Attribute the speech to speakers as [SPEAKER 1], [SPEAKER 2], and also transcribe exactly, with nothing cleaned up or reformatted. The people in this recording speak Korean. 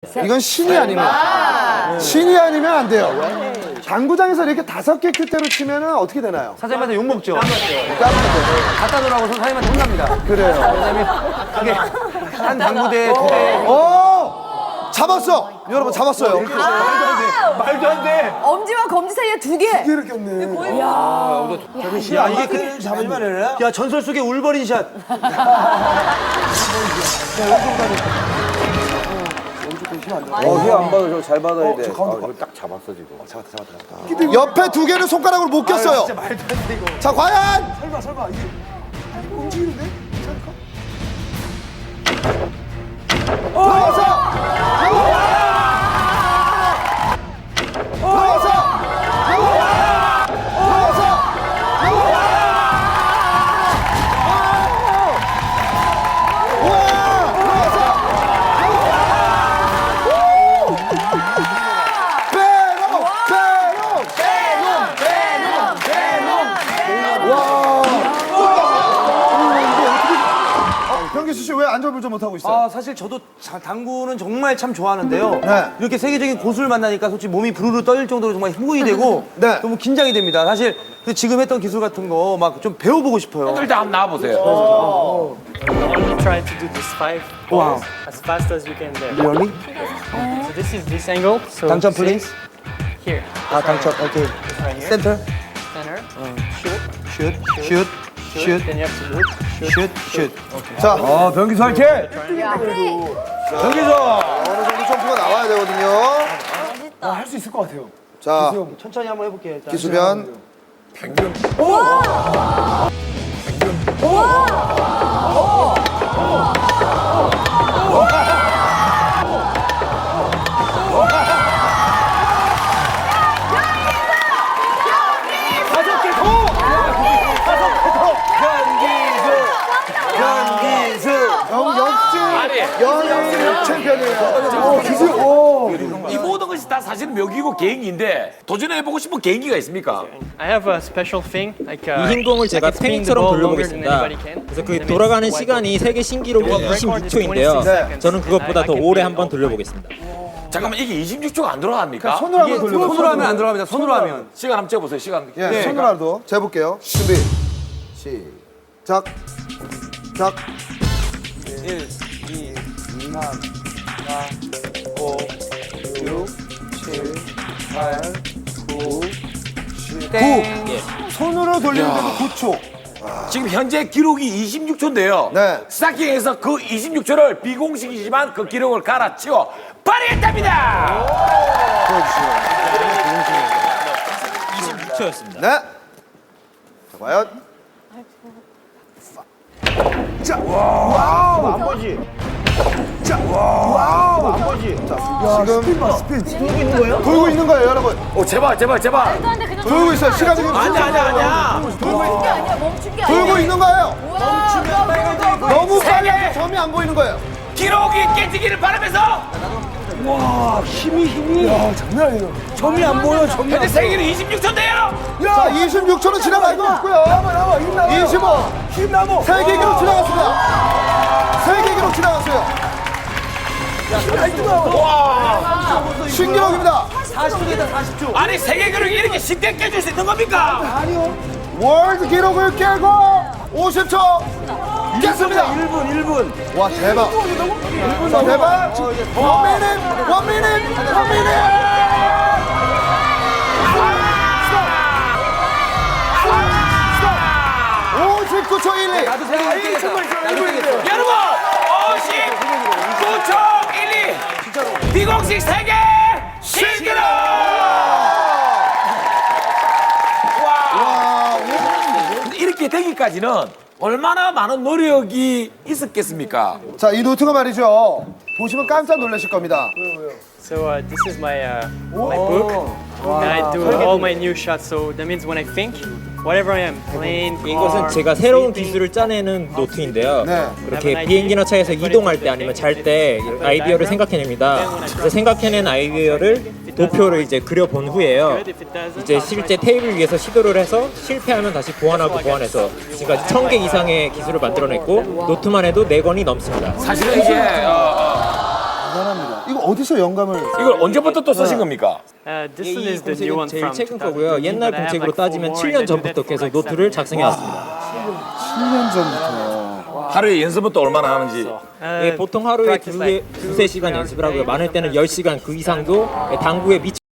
[SPEAKER 1] 이건 신이 아니면 신이 아니면 안 돼요. 당구장에서 이렇게 다섯 개 큐대로 치면은 어떻게 되나요?
[SPEAKER 2] 사장님한테 욕 먹죠.
[SPEAKER 1] 깜빡해요.
[SPEAKER 2] 갖다 놓으라고 사장님한테 혼납니다.
[SPEAKER 1] 그래요.
[SPEAKER 2] 왜냐면 이게 한 당구대 두 대.
[SPEAKER 1] 어 잡았어. 여러분 잡았어요.
[SPEAKER 2] 말도 안 돼.
[SPEAKER 3] 엄지와 검지 사이에 두 개.
[SPEAKER 1] 이렇게 없네.
[SPEAKER 2] 야 이게 그 잡으면 되나? 야 전설 속의 울버린 샷.
[SPEAKER 4] 어, 휘안 받아. 저거 잘 받아야 돼. 아, 이거 딱 잡았어, 지금.
[SPEAKER 1] 옆에 두 개는 손가락으로 못 꼈어요.
[SPEAKER 2] 진짜 말도 안 돼 이거.
[SPEAKER 1] 자 과연
[SPEAKER 2] 설마 설마 이게
[SPEAKER 1] 움직이는데? 들어가서 들어가서 병기수 씨 왜 안절부절 못하고 있어요?
[SPEAKER 2] 아 사실 저도 자, 당구는 정말 참 좋아하는데요.
[SPEAKER 1] 네.
[SPEAKER 2] 이렇게 세계적인 고수를 만나니까 솔직히 몸이 부르르 떨릴 정도로 정말 흥분이 되고
[SPEAKER 1] 네.
[SPEAKER 2] 너무 긴장이 됩니다. 사실 그 지금 했던 기술 같은 거 막 좀 배워보고 싶어요.
[SPEAKER 5] 일단 한번 나와보세요.
[SPEAKER 6] Only try to do this five
[SPEAKER 2] Wow.
[SPEAKER 6] as fast as you can there.
[SPEAKER 2] Really?
[SPEAKER 6] So this is this angle. So
[SPEAKER 2] 당첨
[SPEAKER 6] see?
[SPEAKER 2] 플레이스?
[SPEAKER 6] Here.
[SPEAKER 2] 아 당첨. 오케이.
[SPEAKER 6] Right here.
[SPEAKER 2] 센터.
[SPEAKER 6] Center. Shoot.
[SPEAKER 2] 슛. 슛. 슛.
[SPEAKER 6] Then you have to look.
[SPEAKER 2] 슛. 슛.
[SPEAKER 1] 자
[SPEAKER 4] 아, 변기수 화이팅!
[SPEAKER 1] 병기수 어느 정도 점프가 나와야 되거든요.
[SPEAKER 2] 할 수 있을 것 같아요.
[SPEAKER 1] 자
[SPEAKER 2] 천천히 한번 해볼게요. 일단.
[SPEAKER 1] 기수변
[SPEAKER 2] 다섯 개 더! 다섯 개 더! 변기수! 변기수!
[SPEAKER 1] 영 역시
[SPEAKER 5] 아니.
[SPEAKER 1] 연역 챔피언이에요. 오 기수 오.
[SPEAKER 5] 이 모든 것이 다 사실은 묘기고 개인기인데 도전해보고 싶은 개인기가 있습니까?
[SPEAKER 6] I have a special thing like uh,
[SPEAKER 7] 이 흰 공을 제가
[SPEAKER 6] I can spin the
[SPEAKER 7] 스페인처럼
[SPEAKER 6] ball longer than
[SPEAKER 7] 돌려보겠습니다.
[SPEAKER 6] anybody can.
[SPEAKER 7] 그래서
[SPEAKER 6] And
[SPEAKER 7] 그
[SPEAKER 6] it makes
[SPEAKER 7] 돌아가는
[SPEAKER 6] it
[SPEAKER 7] 시간이
[SPEAKER 6] wide
[SPEAKER 7] 세계 신기록이 이십육 초인데요.
[SPEAKER 1] 네.
[SPEAKER 7] 저는 그것보다 더 오래 한번 돌려보겠습니다.
[SPEAKER 5] 잠깐만 이게 이십육 초가 안 돌아갑니까?
[SPEAKER 1] 손으로 한번 돌려.
[SPEAKER 2] 손으로 하면 안 들어갑니다. 손으로 하면.
[SPEAKER 5] 시간 한번 재보세요. 시간.
[SPEAKER 1] 예,
[SPEAKER 2] 네.
[SPEAKER 1] 손으로라도 재볼게요. 준비 시작. 작.
[SPEAKER 2] 일, 이, 삼, 사, 오, 육, 칠, 팔, 구, 땡.
[SPEAKER 1] 손으로 돌리는데도 구 초.
[SPEAKER 5] 지금 현재 기록이 이십육 초인데요.
[SPEAKER 1] 네.
[SPEAKER 5] 스타킹에서 그 이십육 초를 비공식이지만 그 기록을 갈아치워 발휘했답니다.
[SPEAKER 7] 이십육 초였습니다.
[SPEAKER 1] 네. 자 과연 자 와우 안 보지. 자 와우 안 보지. 자 지금 스핀 봐 스핀 돌고 있는 거예요? 돌고 있는 거예요 여러분.
[SPEAKER 5] 오 제발 제발 제발.
[SPEAKER 1] 돌고 있어요. 시간이 지금
[SPEAKER 5] 아니야 아니야 아니야.
[SPEAKER 1] 돌고 있-
[SPEAKER 3] 게 아니야 멈춘 게 아니야.
[SPEAKER 1] 돌고 있는 거예요.
[SPEAKER 3] 멈추면
[SPEAKER 1] 너무
[SPEAKER 5] 세
[SPEAKER 1] 빨리
[SPEAKER 5] 개.
[SPEAKER 1] 해서 점이 안 보이는 거예요.
[SPEAKER 5] 기록이 깨지기를 바라면서
[SPEAKER 2] 점이 안 보여, 점이
[SPEAKER 5] 현재 세계는 이십육 초인데요.
[SPEAKER 1] 자 이십육 초는 지나갈 거 없고요. 이십오
[SPEAKER 2] 힘 남어.
[SPEAKER 1] 세계 기록 지나갔습니다. 세계 기록 지나갔어요.
[SPEAKER 5] 와.
[SPEAKER 1] 신기록입니다.
[SPEAKER 2] 사십 초다, 사십 초.
[SPEAKER 5] 아니 세계 기록이 이렇게 쉽게 깨질 수 있는 겁니까?
[SPEAKER 1] 월드 기록을 깨고 오십 초 깼습니다.
[SPEAKER 2] 일 분, 일 분.
[SPEAKER 1] 와 대박. 자 대박. 원 미닛 원 미닛 원 미닛. 오십구 초 일이.
[SPEAKER 2] 나도 세계 일 등 했다. 나도 깨겠어.
[SPEAKER 5] 여러분 오십구 초 일이 진짜로 비공식 세계 신기록. 와. 이렇게 되기까지는 얼마나 많은 노력이 있었겠습니까?
[SPEAKER 1] 자 이 노트가 말이죠. 보시면 깜짝 놀라실 겁니다.
[SPEAKER 6] So uh, this is my uh, my book. And I do all my new shots. So that means when I think, whatever I am playing,
[SPEAKER 7] 이것은
[SPEAKER 6] car,
[SPEAKER 7] 제가 새로운
[SPEAKER 6] sleeping,
[SPEAKER 7] 기술을 짜내는 노트인데요.
[SPEAKER 1] 네.
[SPEAKER 7] 이렇게 비행기나 차에서 이동할 때 아니면 잘 때 아이디어를 생각해냅니다. 그래서 생각해낸 아이디어를 도표를 이제 그려본 후에요.
[SPEAKER 6] good. If it doesn't,
[SPEAKER 7] 이제
[SPEAKER 6] I'll try
[SPEAKER 7] 실제 테이블 위에서 시도를 해서 실패하면 다시 보완하고 보완해서 지금까지 천 개 이상의 기술을 만들어냈고 노트만 해도 네 권이 넘습니다.
[SPEAKER 5] 사실은 이제 어, 어,
[SPEAKER 1] 대단합니다. 이거 어디서 영감을?
[SPEAKER 5] 이걸 언제부터 또 쓰신 겁니까?
[SPEAKER 6] Uh, this
[SPEAKER 7] 이
[SPEAKER 6] one is the new
[SPEAKER 7] 공책은
[SPEAKER 6] one
[SPEAKER 7] 제일
[SPEAKER 6] from
[SPEAKER 7] 최근
[SPEAKER 6] twenty
[SPEAKER 7] 거고요.
[SPEAKER 6] fifteen,
[SPEAKER 7] 옛날
[SPEAKER 6] but I have
[SPEAKER 7] 공책으로
[SPEAKER 6] like four
[SPEAKER 7] 따지면
[SPEAKER 6] more
[SPEAKER 7] 칠 년
[SPEAKER 6] and I did
[SPEAKER 7] 전부터
[SPEAKER 6] that for
[SPEAKER 7] 계속
[SPEAKER 6] like
[SPEAKER 7] 노트를
[SPEAKER 6] seven
[SPEAKER 7] 작성해 왔습니다.
[SPEAKER 1] 칠 년 전부터.
[SPEAKER 5] 하루에 연습부터 얼마나 하는지.
[SPEAKER 6] years.
[SPEAKER 7] 예,
[SPEAKER 6] Uh,
[SPEAKER 7] 보통 하루에
[SPEAKER 6] practice
[SPEAKER 7] 두세
[SPEAKER 6] like two,
[SPEAKER 7] 두세 시간
[SPEAKER 6] three hours
[SPEAKER 7] 연습을
[SPEAKER 6] a
[SPEAKER 7] 하고요.
[SPEAKER 6] day.
[SPEAKER 7] 많을 때는 열 시간 그 이상도 당구에 미치